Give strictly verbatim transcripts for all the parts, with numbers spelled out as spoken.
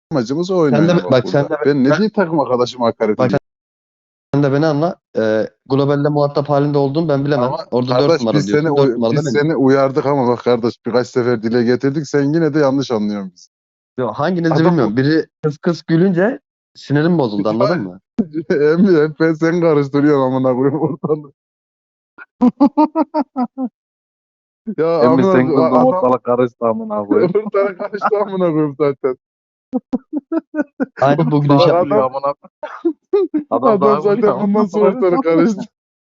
amacımız o Sen oynamak de bak sen burada. de Ben ne ben, diye takım arkadaşıma hakaret bak ediyorum? sen de beni anla. Ee, globalde muhatap halinde olduğum ben bilemem. Ama Orada dört kardeş numara biz seni diyorsun. Dört uy- numarada biz benim. seni uyardık ama bak kardeş birkaç sefer dile getirdik. Sen yine de yanlış anlıyorsun bizi. Yo, hanginizi Adam bilmiyorum. Biri kıs kıs gülünce sinirim bozuldu, anladın mı? Emmi hep ben sen karıştırıyorum amına koyayım ortalığı. Ya Emmi amına sen koyayım, kızdın adam ortalık karıştı amına koyayım. ortalığı karıştı amına koyayım zaten. Aynı bu gülüş Bak Daha yapıyor. gülüyor adam amına koyayım. Adam daha adam gülüyor zaten bundan amına sonra koyayım. ortalığı karıştı.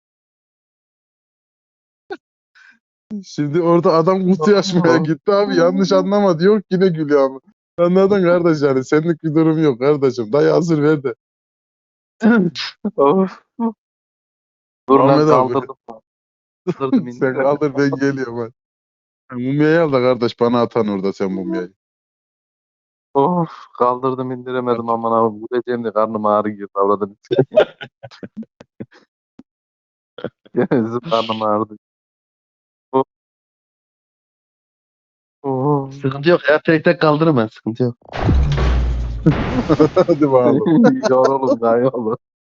Şimdi orada adam kutu açmaya gitti abi yanlış anlama diyor yine gülüyor ama. Anladın kardeş yani senlik bir durum yok kardeşim. Dayı hazır ver de. Of. Dur lan Muhammed abi kaldırdım. Kaldırdım sen indiremedim. kaldır ben geliyorum hadi. Mumyayı al da kardeş bana atan orada sen mumyayı. Of kaldırdım indiremedim amına koyayım. Güleceğim de karnım ağrıyor. Avradım. Gezip karnım ağrıdı. Of. Of. Sıkıntı yok ya. Tek tek kaldırırım ben. Sıkıntı yok. Hadi bakalım. Yorulun daha yorulun.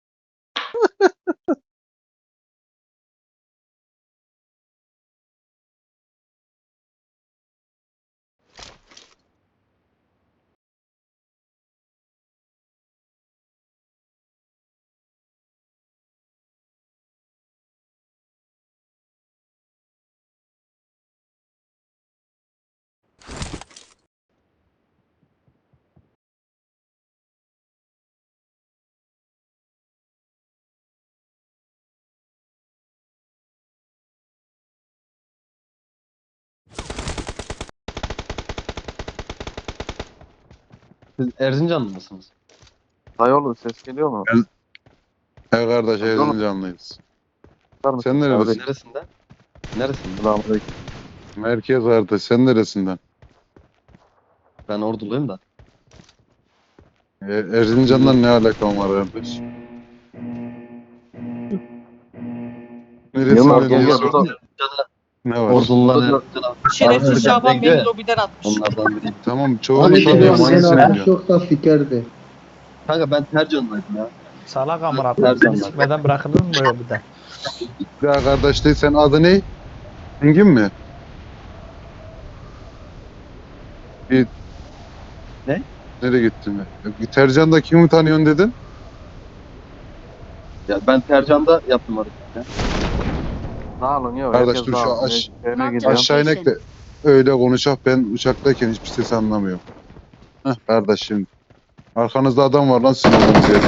Siz Erzincanlı mısınız? Dayıoğlu ses geliyor mu? He kardeş Hadi oğlum. Erzincanlıyız. Çıkar mısın? Sen nerelisin? Neresinden? Neresinden? Selamünaleyküm. Merkez kardeş sen neresinden? Ben Orduluyum da. E, Erzincan'dan ne alakam var kardeş? Yılmaz, Neresinden gel, diye gel, sordun. burada- Ne var? Ordulular Burada- Erzincan'a. Şerefsiz Erzincan Şaban Bengü. beni lobiden atmış. Onlardan biriyim. Tamam çoğunu Abi, tanıyorum sen- hangisini sen- biliyorsun? çok da fikerdi. Kanka ben Tercan'daydım ya. Salak amına koyayım. Seni Tercan'dan. sikmeden bırakılır mı böyle bir de? Ya kardeş değil sen adı ne? Engin mi? Bir... Ne? Nereye gittin mi? Bir Tercan'da kimi tanıyorsun dedin? Ya ben Tercan'da yaptım orada. Ya. Sağ olun yok. Kardeş, herkes dur şu sağ olsun. aş- Eve Mark gidiyorum. Aşağı inek de öyle konuşak ben uçaktayken hiçbir ses anlamıyorum. Heh kardeş şimdi. Arkanızda adam var lan sizin olduğunuz yerde.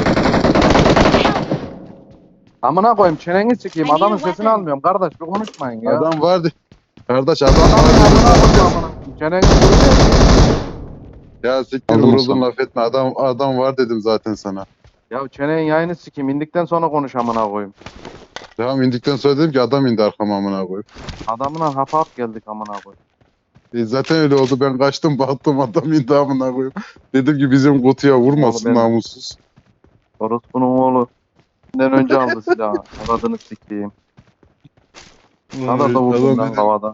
Amına koyayım çeneni sikeyim. I need Adamın a sesini weapon. almıyorum. Kardeş bir konuşmayın ya. Adam vardı. Kardeş adam Adamın vardı. amına koyayım amına. Çeneni sikeyim. Ya siktir Aldım vuruldun Osman. laf etme. Adam adam var dedim zaten sana. Ya çenenin yayını sikeyim. İndikten sonra konuş amına koyayım. Tamam indikten sonra dedim ki adam indi arkama amına koyayım. Adamına hap hap geldik amına koyayım. E zaten öyle oldu. Ben kaçtım baktım adam indi amına koyayım. Dedim ki bizim kutuya vurmasın Oğlum ben- namussuz. Orospu'nun oğlu. Benden önce aldı silahı. Aradığını sikeyim. Sana da vurdum Adam lan dedim, havada.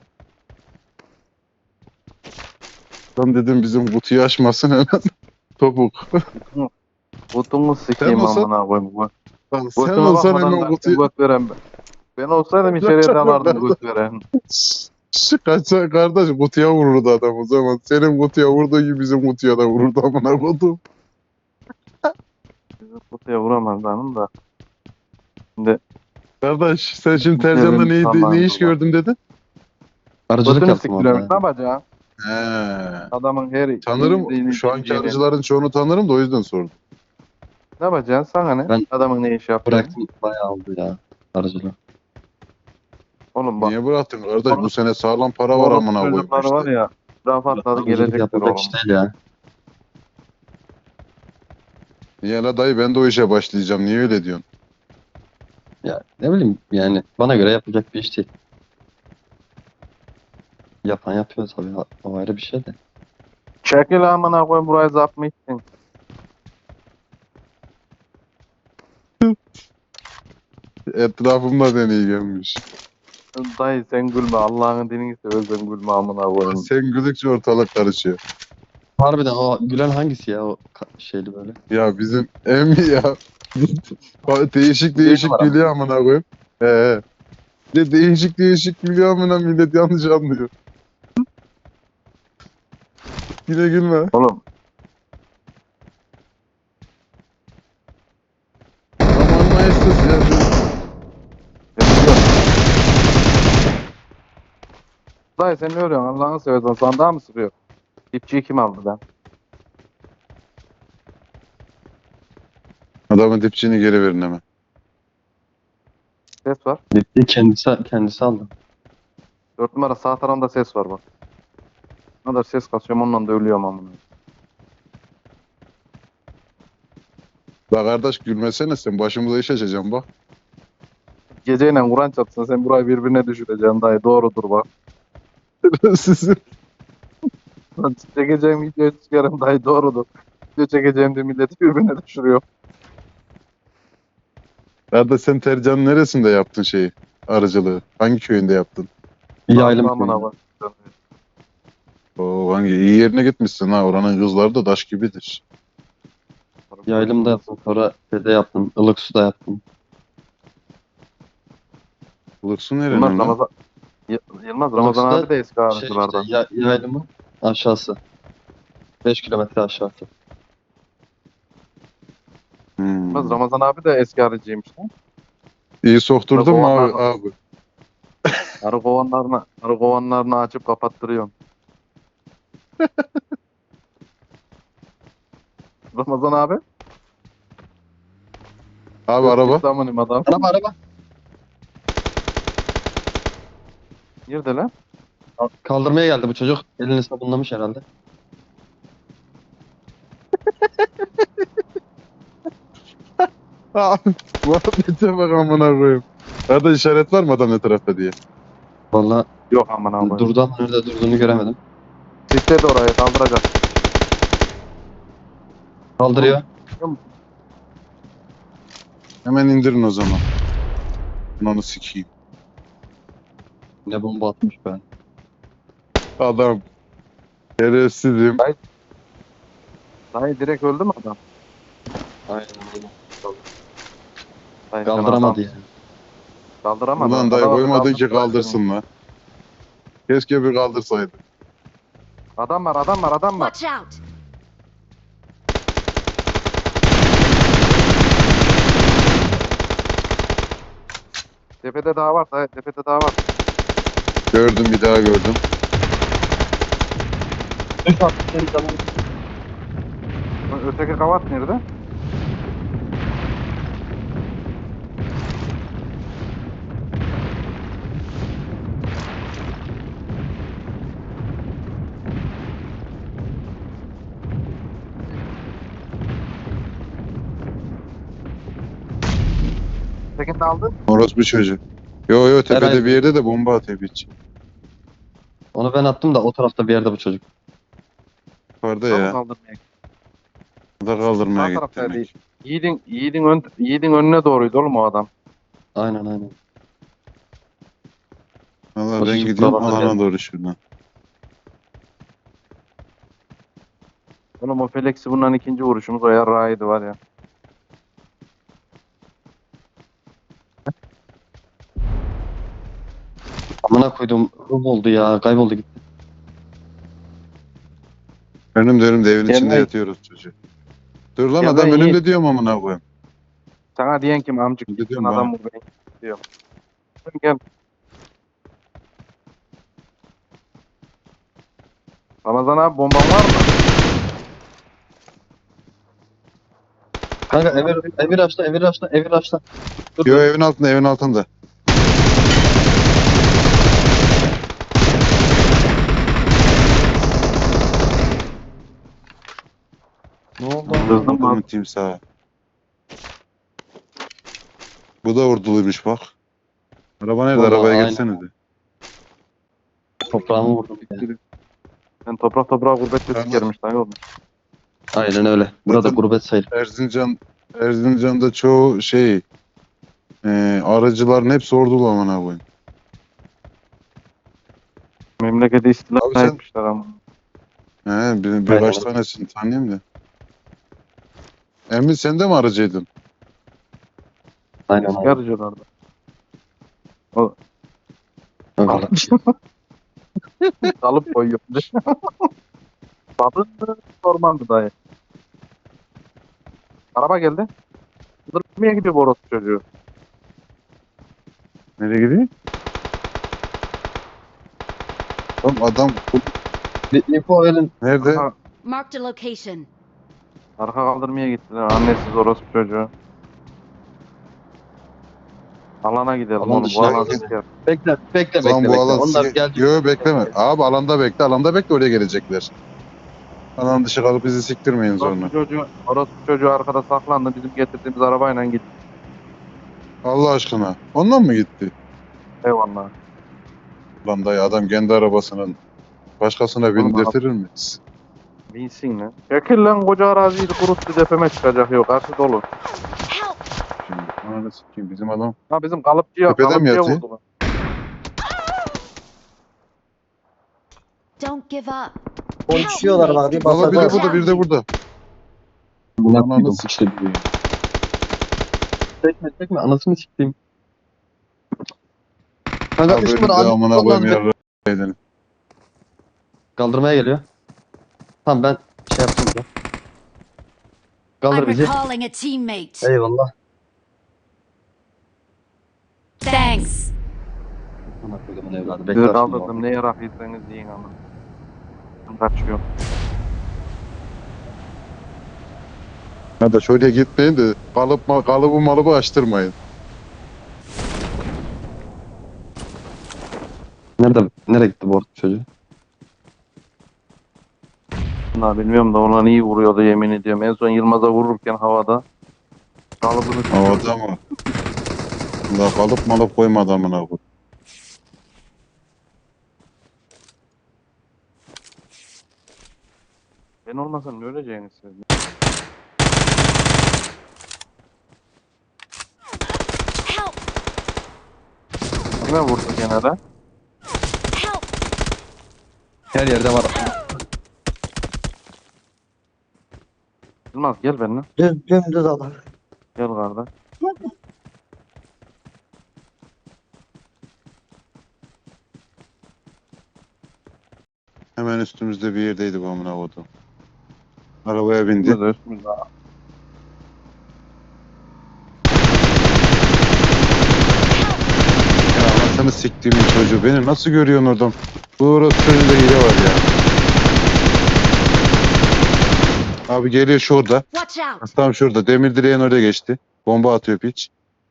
adam dedim bizim kutuyu açmasın hemen. Topuk. Kutunu sikeyim olsan- amına koyayım. Lan sen Götüme olsan bakmadan hemen ben kutuyu... göt veren ben. Ben olsaydım içeriye Çok dalardım çok göt veren. Şu kaçsa kardeş kutuya vururdu adam o zaman. Senin kutuya vurduğu gibi bizim kutuya da vururdu amına koydum. Bizi kutuya vuramaz benim da. Kardeş sen şimdi Tercan'da ne, Tamam, ne iş tamam. gördün dedin? Arıcılık Götünü yaptım orada. siktiriyorum. Ne yapacağım? He. Adamın her... Tanırım. Şu anki arıcıların çoğunu tanırım da o yüzden sordum. Ne yapacaksın? Sana ne? Ben- Adamın ne iş yaptığını. Bıraktım, bayağı oldu ya arıcılığı. Oğlum bak. Niye bıraktın kardeş? Bu sene sağlam para var amına koyayım Çocukları var işte. ya. Rafatladı Arıcılık gelecekler yapılacak oğlum. iş değil ya. Niye la dayı ben de o işe başlayacağım. Niye öyle diyorsun? Ya ne bileyim yani bana göre yapılacak bir iş değil. Yapan yapıyor tabii, o ayrı bir şey de. Çekil amına koyayım burayı zap mı ettin? Etrafımda deney gelmiş. Dayı sen gülme Allah'ın dinini seversen gülme amına koyayım. Sen güldükçe ortalık karışıyor. Harbiden o gülen hangisi ya o ka- şeyli böyle. Ya bizim emmi ya. Bak, değişik değişik numara mı? gülüyor amına koyayım. He he. Bir de değişik değişik gülüyor amına, millet yanlış anlıyor. Yine gülme. Oğlum Aman maestas ya. ben biliyorum. Dayı sen ne örüyorsun Allah'ını seversen sandığa mı sürüyor? Dipçiyi kim aldı lan? Adamın dipçiğini geri verin hemen. Ses var. Gitti kendisi kendisi aldı. Dört numara sağ tarafında ses var bak. Ne kadar ses kasıyorum onunla da ölüyorum amına. La kardeş gülmesene sen, başımıza iş açacaksın bak. Geceyle Kur'an çarpsın sen burayı birbirine düşüreceksin dayı doğrudur bak. Sizin Lan çekeceğim videoyu çıkarım dayı doğrudur. Video çekeceğim de milleti birbirine düşürüyor. Kardeş sen Tercan'ın neresinde yaptın şeyi? Arıcılığı. Hangi köyünde yaptın? Yaylım Amına köyü. bak. Oo, hangi iyi yerine gitmişsin ha. Oranın kızları da taş gibidir. Yaylımda yaptım. Sonra dede yaptım. Ilıksu'da yaptım. Bulursun Yılmaz nerenin lan? Ramazan Y- Yılmaz Ramazan Ilıksu'da abi de eski Şey arıcılardan. işte, ya, yaylımın aşağısı. beş kilometre aşağısı. Hmm. Yılmaz Ramazan abi de eski arıcıymış lan. İyi sokturdun mu abi? Ramazan abi? Arı kovanlarını, arı kovanlarını açıp kapattırıyorum. Ramazan abi. Abi araba. Zamanim adam. Araba araba. Nerede lan? Kaldırmaya geldi bu çocuk. Elini sabunlamış herhalde. Abi muhabbete bak amına koyayım. Nerede işaret var mı adam ne tarafta diye? Vallahi Yok aman abi. durdu ama nerede durduğunu göremedim. Sisledi orayı kaldıracak. Kaldırıyor. Hemen indirin o zaman. Ben onu sikeyim. Ne bomba atmış ben. Adam. Şerefsizim. Dayı direkt öldü mü adam? Aynen aynen. Dayı, sen Kaldıramadı adam- yani. Kaldıramadı. Ulan dayı Adamı koymadın ki kaldırsın. kaldırsın lan. Keşke bir kaldırsaydı. Adam var adam var adam var. Watch out! Tepede daha var dayı tepede daha var. Gördüm, bir daha gördüm. Ö- Öteki kavat nerede? Ötekini de aldın. Orospu çocuğu. Yo yo tepede Herhalde. bir yerde de bomba atıyor hiç. Onu ben attım da o tarafta bir yerde bu çocuk. Yukarıda Tamam, ya. kaldırmaya. Da kaldırmaya Sağ gitti tarafta demek. değil. Yiğidin, Yiğidin, ön, Yiğidin önüne doğruydu oğlum o adam. Aynen aynen. Valla O ben çocuk gidiyorum buralarda alana geldi. doğru şuradan. Oğlum o Felix'i bundan ikinci vuruşumuz o yarrağıydı var ya. Amına koydum. Ruh oldu ya. Kayboldu gitti. Önüm de önümde evin Gel içinde lan. yatıyoruz çocuğu. Dur lan Gel adam lan önümde Yiğit. diyorum amına koyayım. Sana diyen kim amcık? Ne Sen diyorum adam ben? vur beni diyor. Gel. Ramazan abi bomban var mı? Kanka Emir, Emir açtı, Emir açtı, Emir açtı. Dur, Yo dur. evin altında evin altında. Ne oldu? Kızdım Adamın lan. timsahı. Bu da orduluymuş bak. Araba nerede? Vallahi Arabaya aynen. gelsenize. Toprağımı vurdum. Ya. Ben toprak toprağa gurbette Tamam. sikermiş lan oğlum. Aynen öyle. Burada Zaten- gurbet sayılır. Erzincan Erzincan'da çoğu şey e, aracıların hepsi ordulu amına koyayım. Memleketi istila Abi sen- etmişler ama. He, bir, birkaç tanesini tanıyayım da. Emin sen de mi arıcıydın? Aynen Eski aynen. arıcılarda. Öyle. Kalıp koyuyor. Babın mı? Orman mı dayı? Araba geldi. Kaldırmaya gidiyor bu orospu çocuğu. Nereye gidiyor? Oğlum adam Bir info verin. nerede? Arka, Marked a location. arka kaldırmaya gittiler. Annesiz orospu çocuğu. Alana gidelim Alan oğlum. Bu dışına alan gidelim. siker. Bekle, bekle, Lan bekle, bu bekle. alan Onlar si- gelecek. Yo bekleme. Abi alanda bekle. Alanda bekle oraya gelecekler. Alan dışı kalıp bizi siktirmeyin zorla. Orospu çocuğu, orospu çocuğu arkada saklandı. Bizim getirdiğimiz arabayla gitti. Allah aşkına. Ondan mı gitti? Eyvallah. Lan dayı adam kendi arabasının başkasına Oğlum, bindirtirir mi? Binsin lan. Çekil lan koca araziyi kuruttu tepeme çıkacak yok. Karşı dolu. Help! Şimdi ananı sikeyim bizim adam. Ha bizim kalıpçıya, Tepeden mi kalıpçıya yatıyor? vurdular. Don't give up. Konuşuyorlar bak bir Valla bir de basacağız. burada bir de burada. Buna Ananı koydum. sikeyim. Çekme, çekme. Anasını sikeyim. Kanka Abi üç önümde numara amına abi. koyayım yarra edin. Kaldırmaya geliyor. Tamam ben şey yaptım ya. Kaldır I'm bizi. recalling a teammate. Eyvallah. Thanks. Aman koyduğumun evladı. Sizi Bekler şimdi kaldırdım. o. Ne yarak yiyseniz yiyin ama. Ben kaçıyorum. Hadi şöyle gitmeyin de kalıp ma- kalıbı malıbı açtırmayın. Nerede? Nereye gitti bu orta çocuğu? Bunlar bilmiyorum da ona iyi vuruyordu yemin ediyorum. En son Yılmaz'a vururken havada. Kalıbını Havada mı? La kalıp malıp koyma adamına bu. Ben olmasam ne öleceğiniz siz? Help! Kime vurdu gene de? Help! Her yerde var. Yılmaz gel benimle. Düz dümdüz adam. Gel kardeş. Hemen üstümüzde bir yerdeydi bu amına koydum. Arabaya bindi. Üstümüzde üstümüzde. Ya anasını siktiğimin çocuğu. Beni nasıl görüyorsun oradan? Bu orası önünde hile var ya. Abi geliyor şurada. Watch out! Tam şurada. Demir direğin oraya geçti. Bomba atıyor piç.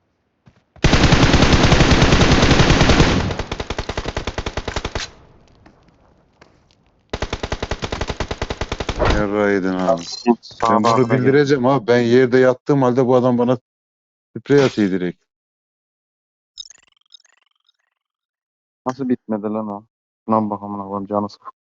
Yarrağı yedin abi. Sağa Ben bunu bakına gel. bildireceğim abi. Ben yerde yattığım halde bu adam bana sprey atıyor direkt. Nasıl bitmedi lan o? Lan bakalım lan canı sık.